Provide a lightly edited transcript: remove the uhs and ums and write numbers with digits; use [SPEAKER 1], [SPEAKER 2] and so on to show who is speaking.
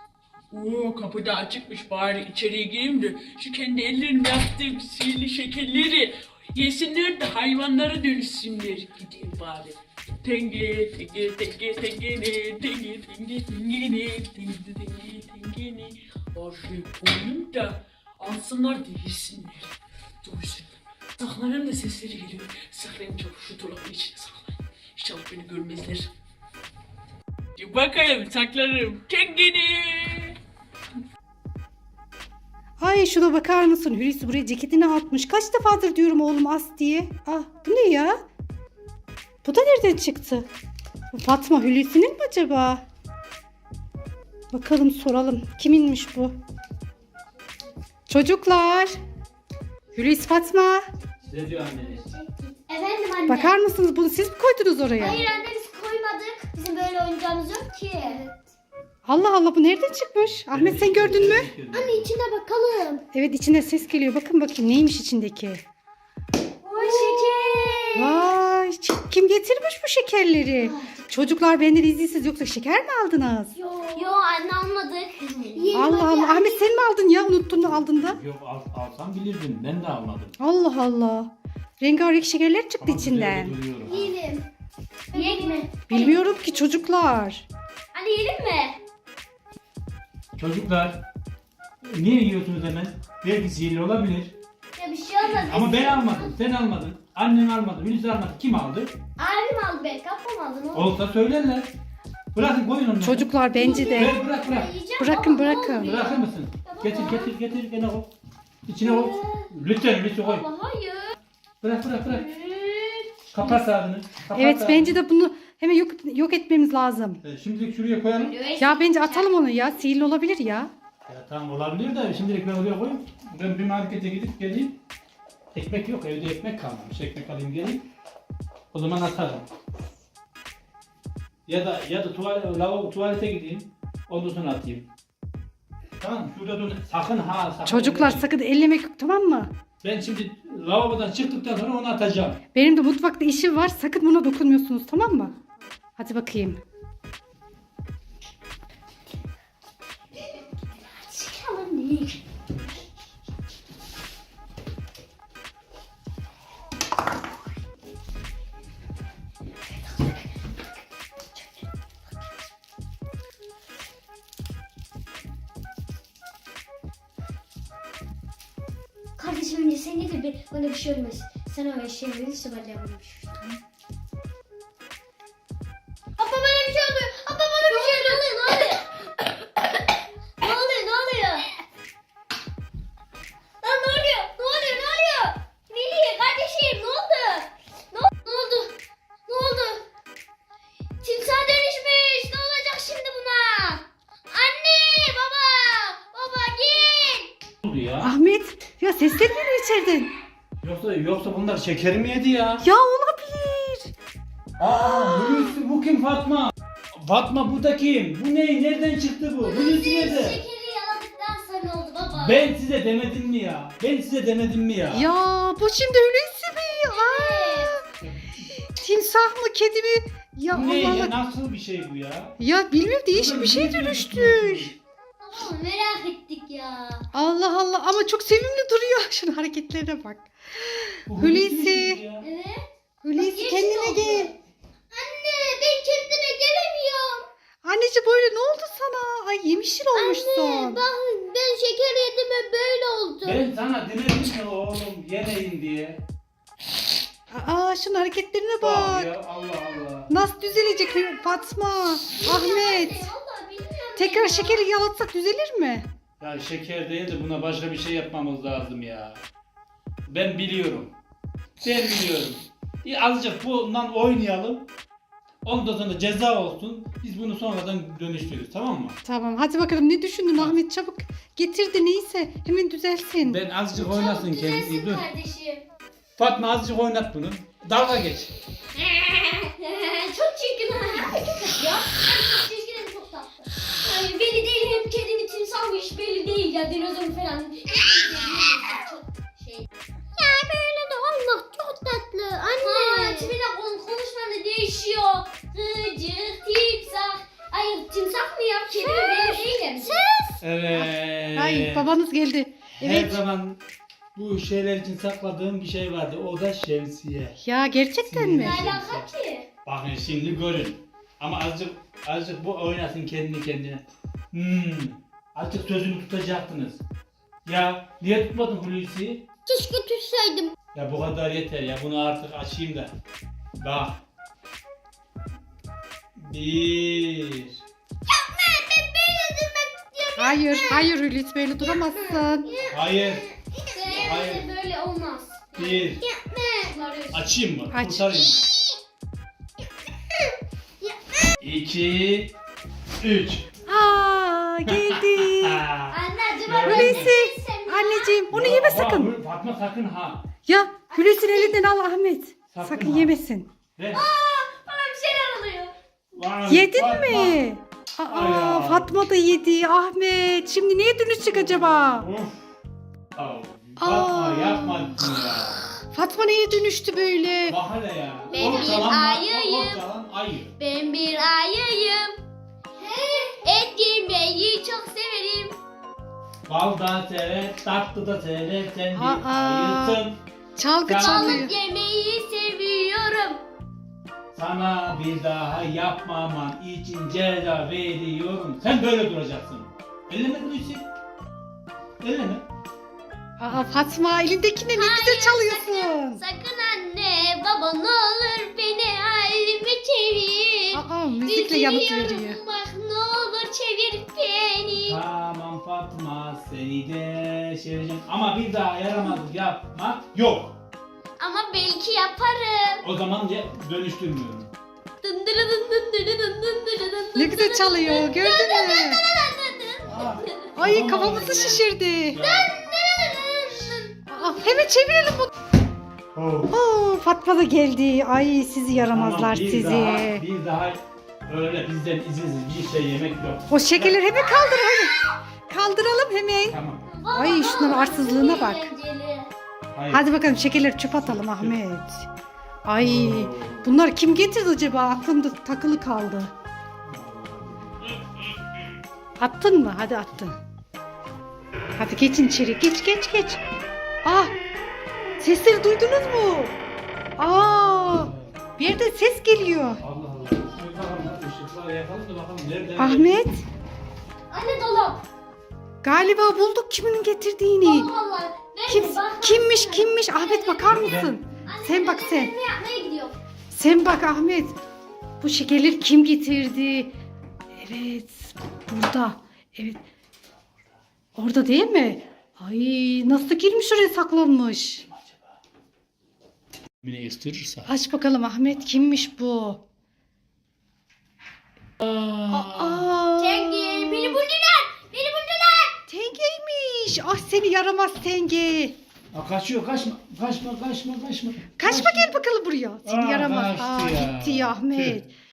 [SPEAKER 1] Oo, kapı da açıkmış, bari içeriye gireyim de şu kendi ellerimle yaptığım sihirli şekerleri yesinler de hayvanlara dönüşsünler. Gideyim bari. Tenge tenge tenge tengene tenge tenge tengene tenge tenge tengene. Oraya koyayım da alsınlar da yesinler. Duysun. Dağların da sesleri geliyor. Saklayın çabuk, şu dolabın içine saklayın. İnşallah beni görmezler. Bakayım, saklarım. Tengene.
[SPEAKER 2] Ay şuna bakar mısın? Hulusi buraya ceketini atmış. Kaç defadır diyorum oğlum as diye. Ah bu ne ya? Bu da nereden çıktı? Bu Fatma Hulusi'nin mi acaba? Bakalım soralım. Kiminmiş bu? Çocuklar. Hulusi Fatma.
[SPEAKER 3] Ne diyor anneniz?
[SPEAKER 4] Efendim anne.
[SPEAKER 2] Bakar mısınız bunu siz mi koydunuz oraya?
[SPEAKER 4] Hayır anne biz koymadık. Bizim böyle oyuncağımız yok ki.
[SPEAKER 2] Allah Allah bu nereden çıkmış? Ahmet sen gördün mü?
[SPEAKER 4] Anne içine bakalım.
[SPEAKER 2] Evet içinde ses geliyor. Bakın bakayım neymiş içindeki.
[SPEAKER 4] Oy şeker.
[SPEAKER 2] Vay kim getirmiş bu şekerleri? Çocuklar benden izinsiz yoksa şeker mi aldınız?
[SPEAKER 4] Yo anne almadık.
[SPEAKER 2] Allah Allah. Ahmet sen mi aldın ya? Unuttun mu aldın da?
[SPEAKER 3] Yok alsam bilirdim. Ben de almadım.
[SPEAKER 2] Allah Allah. Rengarenk şekerler çıktı
[SPEAKER 3] Ama
[SPEAKER 2] içinden.
[SPEAKER 3] güzel duruyorum.
[SPEAKER 4] Yiyelim. Yiyek mi?
[SPEAKER 2] Bilmiyorum ki çocuklar.
[SPEAKER 4] Anne yiyelim mi?
[SPEAKER 3] Çocuklar niye yiyorsunuz hemen? Belki sihirli olabilir.
[SPEAKER 4] Ya bir şey olmaz.
[SPEAKER 3] Ama ben almadım. Sen almadın. Annen almadı. Hulusi almadı. Kim aldı?
[SPEAKER 4] Abim aldı belki. Ablam aldı. Ne oldu?
[SPEAKER 3] Olsa söylerler. Bırakın koyun onları.
[SPEAKER 2] Çocuklar bence de.
[SPEAKER 3] Bırak.
[SPEAKER 4] Yiyeceğim
[SPEAKER 2] Bırakın,
[SPEAKER 4] baba, ne
[SPEAKER 2] bırakın.
[SPEAKER 4] oluyor?
[SPEAKER 3] Bırakır mısın? Getir. Gene koy. İçine koy. Lütfen koy.
[SPEAKER 4] Baba hayır.
[SPEAKER 3] Bırak. Kapat ağzını. Kapat
[SPEAKER 2] Evet
[SPEAKER 3] ağzını.
[SPEAKER 2] bence de bunu hemen yok etmemiz lazım.
[SPEAKER 3] Şimdilik şuraya koyalım.
[SPEAKER 2] Ya bence atalım onu ya. Sihirli olabilir ya.
[SPEAKER 3] Ya tamam olabilir de şimdilik ben oraya koyayım. Ben bir markete gidip geleyim. Ekmek yok, evde ekmek kalmamış. Ekmek alayım geleyim. O zaman atarım. Ya da tuvalete gideyim. Ondan sonra atayım. Tamam şurada dur. Sakın sakın.
[SPEAKER 2] Çocuklar
[SPEAKER 3] ellemeyin.
[SPEAKER 2] sakın ellemek yok tamam mı?
[SPEAKER 3] Ben şimdi lavabodan çıktıktan sonra onu atacağım.
[SPEAKER 2] Benim de mutfakta işim var. Sakın buna dokunmuyorsunuz tamam mı? Hadi bakayım.
[SPEAKER 4] Çıkalım değil. Kardeşim önce sen de bir bana bir şey olmaz. Sana öyle şey verirse ben de yapayım. Abla bana bir şey oluyor. Abla bana bir şey oluyor. Ne oluyor? Ne oluyor? Lan ne oluyor? Melih kardeşim ne oldu? Ne oldu? Timsah dönüşmüş. Ne olacak şimdi buna? Anne, baba gel.
[SPEAKER 3] Ne oldu ya?
[SPEAKER 2] Ahmet ya sesler geliyor içeriden.
[SPEAKER 3] Yoksa bunlar şeker mi yedi ya?
[SPEAKER 2] Ya olabilir.
[SPEAKER 3] Hulusi bu kim Fatma? Fatma bu da kim? Bu ne? Nereden çıktı bu? Hulusi nerede?
[SPEAKER 4] Şekeri yaladıktan sonra oldu baba.
[SPEAKER 3] Ben size demedim mi ya?
[SPEAKER 2] Ya bu şimdi Hulusi mi? Aa, timsah mı kedi mi? Ya
[SPEAKER 3] Bu ne
[SPEAKER 2] Allah
[SPEAKER 3] ya?
[SPEAKER 2] Allah.
[SPEAKER 3] Nasıl bir şey bu ya?
[SPEAKER 2] Ya bilmiyorum değişik bir şey dönüştü.
[SPEAKER 4] Baba merak ettik ya.
[SPEAKER 2] Allah Allah ama çok sevimli duruyor. Şunun hareketlerine bak.
[SPEAKER 3] Bu
[SPEAKER 2] Hulusi.
[SPEAKER 3] mi ya?
[SPEAKER 4] Evet.
[SPEAKER 2] Hulusi
[SPEAKER 4] Yeşil
[SPEAKER 2] kendine
[SPEAKER 4] oldu.
[SPEAKER 2] gel.
[SPEAKER 4] Anne ben kendime gelemiyorum.
[SPEAKER 2] Anneciğim böyle ne oldu sana? Ay yemişil olmuşsun.
[SPEAKER 4] Ben şeker yedim ve böyle oldu.
[SPEAKER 3] Ben sana demedim mi oğlum yemeyin diye.
[SPEAKER 2] Aa şunun hareketlerine
[SPEAKER 3] Bak
[SPEAKER 2] bak.
[SPEAKER 3] ya Allah Allah.
[SPEAKER 2] Nasıl düzelecek Fatma? Ahmet.
[SPEAKER 4] Vallahi bilmiyorum.
[SPEAKER 2] Tekrar
[SPEAKER 4] ya.
[SPEAKER 2] şekeri yalatsak düzelir mi?
[SPEAKER 3] Ya şeker değil de buna başka bir şey yapmamız lazım ya. Ben biliyorum. Azıcık bundan oynayalım. Ondan sonra ceza olsun. Biz bunu sonradan dönüştürürüz tamam mı?
[SPEAKER 2] Tamam hadi bakalım ne düşündün Ahmet çabuk getir de neyse hemen düzelsin.
[SPEAKER 3] Ben azıcık oynasın kendisi.
[SPEAKER 4] Düzelsin
[SPEAKER 3] Dur.
[SPEAKER 4] kardeşim.
[SPEAKER 3] Fatma azıcık oynat bunu. Dalga geç.
[SPEAKER 4] Çok çirkin. Çok tatlı ya. Çok çirkin hem çok tatlı. Ay, belli değil hem kedinin timsahmış belli değil ya dinozor falan. Çok şey. Ya böyle de olmaz çok tatlı anne. Ha tipine konuşman da değişiyor. Gıcık timsah. Ay timsah mı ya? Kedi mi? değilim.
[SPEAKER 3] Evet.
[SPEAKER 2] Ay babanız geldi.
[SPEAKER 3] Her
[SPEAKER 2] Evet.
[SPEAKER 3] zaman bu şeyler için sakladığım bir şey vardı. O da şemsiye.
[SPEAKER 2] Ya gerçekten mi?
[SPEAKER 4] Ne alaka ki?
[SPEAKER 3] Bakın şimdi görün. Ama azıcık bu oynasın kendi kendine. Azıcık sözümü tutacaktınız. Ya niye tutmadın Hulusi'yi?
[SPEAKER 4] Keşke tutsaydım.
[SPEAKER 3] Ya bu kadar yeter ya. Bunu artık açayım da. Bak. 1.
[SPEAKER 2] Hayır, hayır Hulusi böyle duramazsın.
[SPEAKER 3] Hayır.
[SPEAKER 4] Hayır. Böyle olmaz.
[SPEAKER 3] 1.
[SPEAKER 4] Bunları
[SPEAKER 3] Açayım mı?
[SPEAKER 2] Aç.
[SPEAKER 3] Kurtarayım. 2. 3.
[SPEAKER 2] Aa geldi.
[SPEAKER 4] Anne acaba
[SPEAKER 3] Ya.
[SPEAKER 4] ben
[SPEAKER 2] Hulusi,
[SPEAKER 4] de sevmiyorum.
[SPEAKER 2] anneciğim onu yeme sakın.
[SPEAKER 3] Fatma sakın ha.
[SPEAKER 2] Ya Hulusi'nin elinden al Ahmet.
[SPEAKER 3] Sakın
[SPEAKER 2] Sakın
[SPEAKER 3] ha.
[SPEAKER 2] yemesin.
[SPEAKER 3] Ver.
[SPEAKER 4] Bana bir şeyler oluyor.
[SPEAKER 3] Vay,
[SPEAKER 2] Yedin
[SPEAKER 3] Fatma.
[SPEAKER 2] mi?
[SPEAKER 3] Ay
[SPEAKER 2] Aa
[SPEAKER 3] ya.
[SPEAKER 2] Fatma da yedi. Ahmet şimdi neye dönüşecek acaba?
[SPEAKER 3] Of. Fatma
[SPEAKER 2] Aa.
[SPEAKER 3] yapmadın ya.
[SPEAKER 2] Fatma neye dönüştü böyle?
[SPEAKER 3] Bak hele ya.
[SPEAKER 4] Ben bir ayıyım.
[SPEAKER 3] Ortalan ayı.
[SPEAKER 4] Ben bir ayıyım. Et yemeyi çok severim.
[SPEAKER 3] Bal da sever, tatlı da sever. Sen bir
[SPEAKER 2] Aa.
[SPEAKER 3] ayısın.
[SPEAKER 2] Çalgı
[SPEAKER 3] Tamam.
[SPEAKER 2] çalıyor.
[SPEAKER 4] Balık yemeyi seviyorum.
[SPEAKER 3] Sana bir daha yapmaman için ceza veriyorum. Sen böyle duracaksın. Elleme Hulusi. Elleme.
[SPEAKER 2] Aa Fatma elindekine ne güzel çalıyorsun.
[SPEAKER 4] Sakın anne baba ne olur beni halime çevir.
[SPEAKER 2] Aa müzikle yanıt
[SPEAKER 4] Üzülüyorum,
[SPEAKER 2] veriyor.
[SPEAKER 4] bak ne olur çevir beni.
[SPEAKER 3] Tamam Fatma seni de seveceğim. Ama bir daha yaramazlık yapmak yok.
[SPEAKER 4] Ama belki yaparım.
[SPEAKER 3] O zaman dönüştürmüyorum.
[SPEAKER 4] Dındırı dın dındırı dın dındırı dın
[SPEAKER 2] Ne güzel
[SPEAKER 4] dındırı
[SPEAKER 2] çalıyor
[SPEAKER 4] dın
[SPEAKER 2] gördün
[SPEAKER 4] dın
[SPEAKER 2] mü?
[SPEAKER 4] dın dın dın.
[SPEAKER 2] Ay
[SPEAKER 3] Tamam,
[SPEAKER 2] kafamızı
[SPEAKER 3] ya.
[SPEAKER 2] şişirdi.
[SPEAKER 3] Ya.
[SPEAKER 2] Aa, hemen çevirelim bunu.
[SPEAKER 3] Oh.
[SPEAKER 2] Oo, Fatma da geldi. Ay sizi yaramazlar
[SPEAKER 3] Tamam,
[SPEAKER 2] sizi.
[SPEAKER 3] Bir daha öyle bizden izinsiz bir şey yemek yok.
[SPEAKER 2] O şekerleri hemen kaldır hadi. Kaldıralım hemen.
[SPEAKER 3] Tamam.
[SPEAKER 2] Ay, şunların arsızlığına bak.
[SPEAKER 4] Eğlenceli.
[SPEAKER 3] Hayır.
[SPEAKER 2] Hadi bakalım şekerleri çöp atalım Ahmet. Ay bunlar kim getirdi acaba? Aklımda takılı kaldı. Attın mı? Hadi attın. Hadi geçin içeri. Geç geç geç. Ah! Sesleri duydunuz mu? Aa! Bir yerden ses geliyor.
[SPEAKER 3] Allah Allah. Şöyle bakalım, ışıklar yakalım da bakalım nereden
[SPEAKER 2] Ahmet
[SPEAKER 4] Anne dolap.
[SPEAKER 2] galiba bulduk kimin getirdiğini.
[SPEAKER 4] Vallahi. Ben
[SPEAKER 2] Kim,
[SPEAKER 4] de bak-
[SPEAKER 2] kimmiş? Ahmet bakar mısın?
[SPEAKER 4] Anne,
[SPEAKER 2] Sen bak
[SPEAKER 4] ben
[SPEAKER 2] sen.
[SPEAKER 4] Ne yapmaya gidiyorum?
[SPEAKER 2] Sen bak Ahmet. Bu şekerleri kim getirdi? Evet. Burada. Evet. Orada değil mi? Ay nasıl girmiş oraya saklanmış?
[SPEAKER 3] Beni ısırırsa.
[SPEAKER 2] Aç bakalım Ahmet kimmiş bu? Aa.
[SPEAKER 4] Tengi beni buldular. Beni buldular.
[SPEAKER 2] Tengeymiş. Ah seni yaramaz Tenge.
[SPEAKER 3] Aa, kaçıyor kaçma.
[SPEAKER 2] Kaçma gel bakalım buraya. Seni
[SPEAKER 3] Aa,
[SPEAKER 2] yaramaz.
[SPEAKER 3] kaçtı
[SPEAKER 2] Aa
[SPEAKER 3] ya.
[SPEAKER 2] gitti ya Ahmet.